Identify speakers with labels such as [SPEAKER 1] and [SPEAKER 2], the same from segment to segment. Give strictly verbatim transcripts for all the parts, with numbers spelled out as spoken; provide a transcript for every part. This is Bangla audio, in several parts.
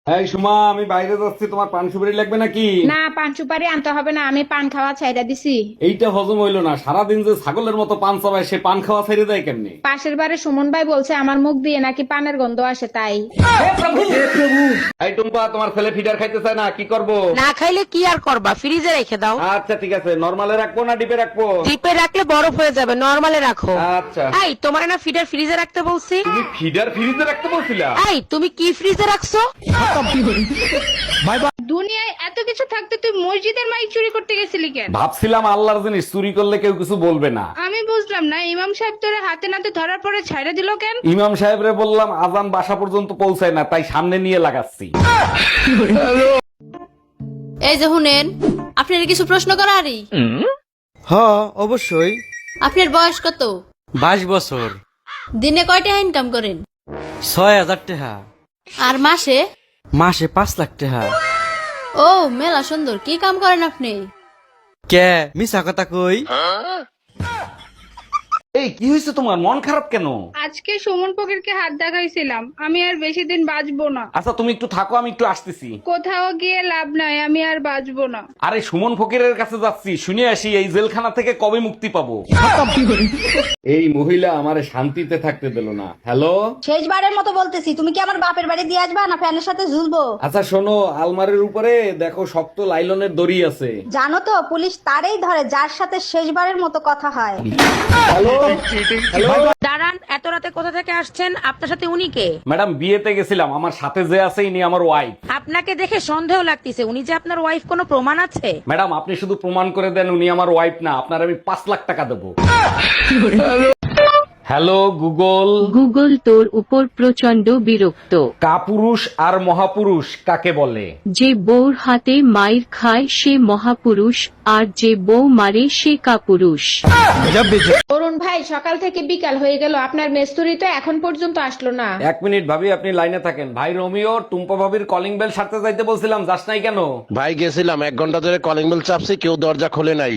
[SPEAKER 1] এই সুমা, আমি বাইরে যাচ্ছি, তোমার পান সুপারি লাগবে নাকি?
[SPEAKER 2] না, পান সুপারি আনতে হবে না, আমি পান খাওয়া ছাইড়া দিছি।
[SPEAKER 1] এইটা হজম হইলো না, সারাদিন যে ছাগলের মতো পান চাবায়, সে পান খাওয়া ছেড়ে দেয় কেমনি?
[SPEAKER 2] পাশের বাড়ি সুমন ভাই বলছে আমার মুখ দিয়ে নাকি পানের গন্ধ আসে, তাই।
[SPEAKER 1] এই টুম্পা, তোমার ছেলে ফিডার খাইতে চায় না, কি করব?
[SPEAKER 3] না খাইলে কি আর করবা, ফ্রিজে রেখে দাও।
[SPEAKER 1] আচ্ছা ঠিক আছে, নরমালে রাখবো না ডিপে রাখবো?
[SPEAKER 3] ডিপে রাখলে বরফ হয়ে যাবে, নরমালে রাখো।
[SPEAKER 1] আচ্ছা।
[SPEAKER 3] এই তোমার না ফিডার ফ্রিজে রাখতে বলছি?
[SPEAKER 1] তুমি ফিডার ফ্রিজে রাখতে বলছিলা?
[SPEAKER 3] এই তুমি কি ফ্রিজে রাখছো?
[SPEAKER 2] দুনিয়ায় এত কিছু থাকতে তুই মসজিদের মাইক চুরি করতে গেছিলি কেন?
[SPEAKER 1] ভাবছিলাম আল্লাহর জিনিস চুরি করলে কেউ কিছু বলবে না।
[SPEAKER 2] আমি বুঝলাম না, ইমাম সাহেব তোরে হাতে নাতে ধরার পরে ছাইড়া দিল কেন?
[SPEAKER 1] ইমাম সাহেবরে বললাম আজান বাসা পর্যন্ত পৌঁছায় না, তাই সামনে নিয়ে লাগাচ্ছি।
[SPEAKER 4] এই যে শুনেন, আপনার কিছু প্রশ্ন করারই।
[SPEAKER 5] হ অবশ্যই।
[SPEAKER 4] আপনার বয়স কত?
[SPEAKER 5] বাইশ বছর।
[SPEAKER 4] দিনে কয় টাকা ইনকাম করেন?
[SPEAKER 5] ছয় হাজার টাকা।
[SPEAKER 4] আর মাসে?
[SPEAKER 5] মাসে পাঁচ লাখ টাকা।
[SPEAKER 4] ও মেলা সুন্দর, কি কাম করেন আপনি?
[SPEAKER 5] কে মিছা কথা কই?
[SPEAKER 1] এই কি হয়েছে তোমার, মন খারাপ কেন?
[SPEAKER 2] আজকে সুমন ফকিরকে হাত দেখাইছিলাম, আমি আর বেশি দিন বাঁচবো না।
[SPEAKER 1] আচ্ছা তুমি একটু থাকো, আমি একটু আসতেছি।
[SPEAKER 2] কোথাও গিয়ে লাভ নাই, আমি আর বাঁচবো না।
[SPEAKER 1] আরে সুমন ফকিরের কাছে যাচ্ছি, শুনে আসি এই জেলখানা থেকে কবে মুক্তি পাবো। এই মহিলা আমারে শান্তিতে থাকতে দিল না। হ্যালো,
[SPEAKER 6] শেষবারের মতো বলতেছি, তুমি কি আমার বাপের বাড়ি দিয়ে আসবা না ফ্যানের সাথে ঝুলবো?
[SPEAKER 1] আচ্ছা শোনো, আলমারির উপরে দেখো শক্ত লাইলনের দড়ি আছে।
[SPEAKER 6] জানো তো পুলিশ তারেই ধরে যার সাথে শেষবারের মতো কথা হয়।
[SPEAKER 3] দাঁড়ান, এত রাতে কোথা থেকে আসছেন? আপনার সাথে উনি কে?
[SPEAKER 1] ম্যাডাম বিয়েতে গেছিলাম, আমার সাথে যে আছে ইনি আমার ওয়াইফ।
[SPEAKER 3] আপনাকে দেখে সন্দেহ লাগতেছে, উনি যে আপনার ওয়াইফ, কোনো প্রমাণ আছে?
[SPEAKER 1] ম্যাডাম আপনি শুধু প্রমাণ করে দেন উনি আমার ওয়াইফ না, আপনার আমি পাঁচ লাখ টাকা দেবো। Hello Google.
[SPEAKER 7] গুগল তোর উপর প্রচন্ড বিরক্ত।
[SPEAKER 1] কাপুরুষ আর মহাপুরুষ কাকে বলে?
[SPEAKER 7] যে বউর হাতে মাইর খায় সে মহাপুরুষ, আর যে বউ মারে সে কাপুরুষ।
[SPEAKER 2] অরুণ ভাই, সকাল থেকে বিকাল হয়ে গেল, আপনার মেস্তুরি তো এখন পর্যন্ত আসলো না।
[SPEAKER 1] এক মিনিট ভাবি, আপনি লাইনে থাকেন। ভাই রোমিও, টুম্পা ভাবির কলিং বেল সারতে যাইতে বলছিলাম, যাস নাই কেন?
[SPEAKER 8] ভাই গেছিলাম, এক ঘন্টা ধরে কলিং বেল চাপছি, কেউ দরজা খোলে নাই।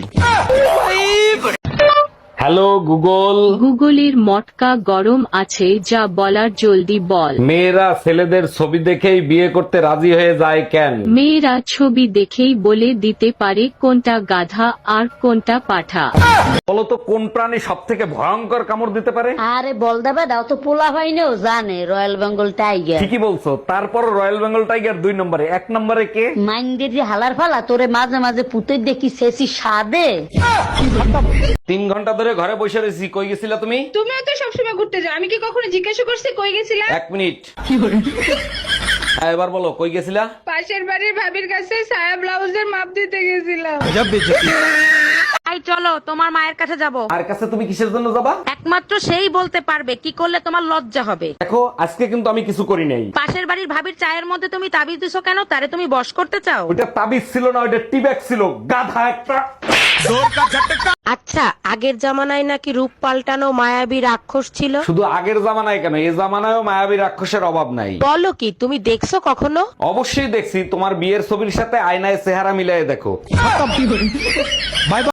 [SPEAKER 1] Hello Google.
[SPEAKER 7] গুগলের মটকা গরম আছে, যা বলার জলদি বল।
[SPEAKER 1] মেয়েরা ছেলেদের ছবি দেখেই বিয়ে করতে রাজি হয়ে যায় কেন?
[SPEAKER 7] মেয়েরা ছবি দেখেই বলে দিতে পারে কোনটা গাধা আর কোনটা পাঠা।
[SPEAKER 1] বলতো কোন প্রাণী সব থেকে ভয়ঙ্কর কামড় দিতে পারে?
[SPEAKER 9] আরে বল দেবে দাও তো, পোলা ভাইনেও জানে রয়্যাল বেঙ্গল টাইগার।
[SPEAKER 1] ঠিকই বলছো, তারপর রয়্যাল বেঙ্গল টাইগার দুই নম্বরে, এক নম্বরে কে?
[SPEAKER 9] মাইন্ডের যে হালার ফালা তোরে মাঝে মাঝে পুতে দেখি শেষি সাদে।
[SPEAKER 1] তিন ঘন্টা ধরে ঘরে বসে রয়েছি, কই গেছিলা তুমি?
[SPEAKER 2] তুমিও তো সবসময় ঘুরতে যাও, আমি কি কখনো জিজ্ঞাসা করছি কই গেছিলাম?
[SPEAKER 1] এক মিনিট। হ্যাঁ, এবার বলো কই গেছিলা?
[SPEAKER 2] পাশের বাড়ির ভাবির কাছে সায়া ব্লাউজের মাপ দিতে গেছিলাম।
[SPEAKER 3] এই চলো, তোমার মায়ের কাছে যাব।
[SPEAKER 1] আর কাছে তুমি কিসের জন্য যাবা?
[SPEAKER 3] একমাত্র সেই বলতে পারবে কি করলে তোমার লজ্জা হবে।
[SPEAKER 1] দেখো আজকে কিন্তু আমি কিছু করি নাই।
[SPEAKER 3] পাশের বাড়ির ভাবির চায়ের মধ্যে তুমি তাবিজ দিছো কেন? তারে তুমি বশ করতে চাও?
[SPEAKER 1] ওইটা তাবিজ ছিল না, ওইটা টিব্যাগ ছিল, গাধা একটা।
[SPEAKER 3] আচ্ছা, আগের জামানায় নাকি রূপ পাল্টানো মায়াবী রাক্ষস ছিল?
[SPEAKER 1] শুধু আগের জামানায় কেন, এই জামানায়ও মায়াবী রাক্ষসের অভাব নাই।
[SPEAKER 3] বলো কি, তুমি দেখছো কখনো?
[SPEAKER 1] অবশ্যই দেখছি, তোমার বিয়ের ছবির সাথে আয়নায় চেহারা মিলাই দেখো।